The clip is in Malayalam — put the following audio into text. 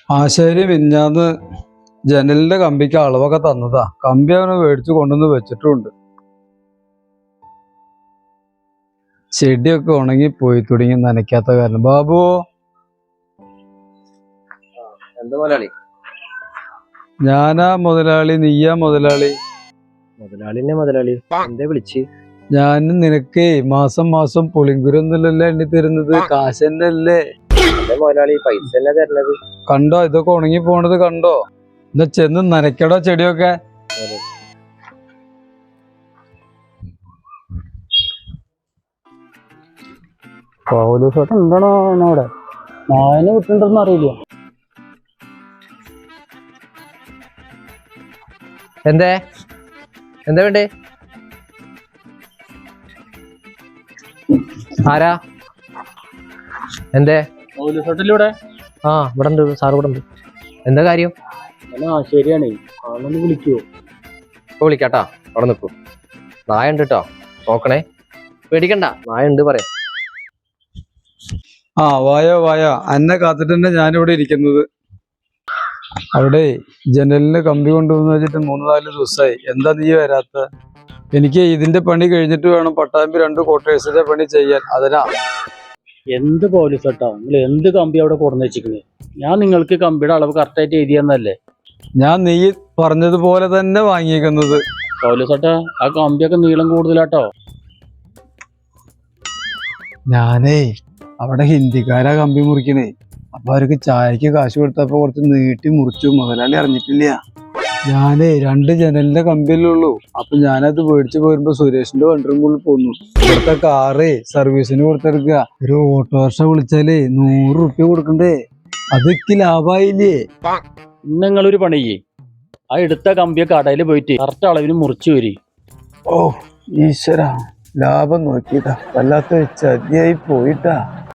ആശാരി മിഞ്ഞാന്ന് ജനലിന്റെ കമ്പിക്ക് അളവൊക്കെ തന്നതാ. കമ്പി അവനെ മേടിച്ചു കൊണ്ടുവന്ന് വെച്ചിട്ടുണ്ട്. ചെടിയൊക്കെ ഉണങ്ങി പോയി തുടങ്ങി നനയ്ക്കാത്ത കാരണം. ബാബു എന്താ മുതലാളി? ഞാനാ മുതലാളി, നീയാ മുതലാളി? മുതലാളിനെ മുതലാളി എന്താ വിളിച്ച്? ഞാൻ നിനക്കേ മാസം മാസം പുളിങ്കുരൊന്നുമല്ലല്ലോ എണ്ണി തരുന്നത്, കാശന്നെ അല്ലേ മുതലാളി? പൈസ തന്നെ തരണത്. കണ്ടോ ഇതൊക്കെ ഉണങ്ങി പോണത് കണ്ടോ? എന്നാ ചെന്ന് നനയ്ക്കടോ ചെടിയൊക്കെ. എന്താണോ അവിടെ നായനെ വിട്ടുണ്ടെന്ന് അറിയില്ല. എന്താ എന്താ വേണ്ടേ? ആരാ? എന്തേ? ഇവിടെ ആ ഇവിടെ ഉണ്ട് സാർ, ഇവിടെ ഉണ്ട്. എന്താ കാര്യം? ശരിയാണേ, ആളൊന്ന് വിളിക്കുവോ? ഇപ്പൊ വിളിക്കാട്ടാ, അവിടെ നിൽക്കൂ. നായ ഉണ്ട് കേട്ടോ, നോക്കണേ, പേടിക്കണ്ട, നായ ഉണ്ട് പറയാം. ആ വായോ വായോ, അന്നെ കാത്തിട്ട് തന്നെ ഞാനിവിടെ ഇരിക്കുന്നത്. അവിടെ ജനലിന് കമ്പി കൊണ്ടുവന്ന് വെച്ചിട്ട് 3-4 ദിവസമായി. എന്താ നീ വരാത്ത? എനിക്ക് ഇതിന്റെ പണി കഴിഞ്ഞിട്ട് വേണം പട്ടാമ്പി 2 ക്വാർട്ടേഴ്സിന്റെ പണി ചെയ്യാൻ. അതിനാ. എന്ത് പോലീസ് കേട്ടോ, നിങ്ങൾ എന്ത് കമ്പി അവിടെ കൊടുന്ന് വെച്ചിരിക്കുന്നത്? ഞാൻ നിങ്ങൾക്ക് കമ്പിയുടെ അളവ് കറക്റ്റായിട്ട് എഴുതിയെന്നല്ലേ? ഞാൻ നീ പറഞ്ഞതുപോലെ തന്നെ വാങ്ങിയേക്കുന്നത്. പോലീസ് കേട്ടോ, ആ കമ്പിയൊക്കെ നീളം കൂടുതലാട്ടോ. ഞാനേ അവിടെ ഹിന്ദിക്കാരാ കമ്പി മുറിക്കണേ. അപ്പൊ അവർക്ക് ചായക്ക് കാശ് കൊടുത്തപ്പോ കുറച്ച് നീട്ടി മുറിച്ചു. മുതലാളി അറിഞ്ഞിട്ടില്ല. ഞാനേ 2 ജനലിന്റെ കമ്പിയല്ലേ ഉള്ളൂ. അപ്പൊ ഞാനത് മേടിച്ചു പോരുമ്പോ സുരേഷിന്റെ വണ്ടിറുമ്പിൽ പോന്നു. ഇവിടുത്തെ കാറേ സർവീസിന് കൊടുത്തെടുക്കുക. ഒരു ഓട്ടോറിക്ഷ വിളിച്ചാലേ 100 റുപ്യ കൊടുക്കണ്ടേ? അതൊക്കെ ലാഭായില്ലേ? നിങ്ങളൊരു പണി ചെയ്യേ, ആ എടുത്ത കമ്പിയെ കടയിൽ പോയിട്ട് കറക്റ്റ് അളവിന് മുറിച്ചു വരി. ഓ ഈശ്വര, ലാഭം നോക്കിയിട്ടാ, വല്ലാത്ത ചതിയായി പോയിട്ടാ.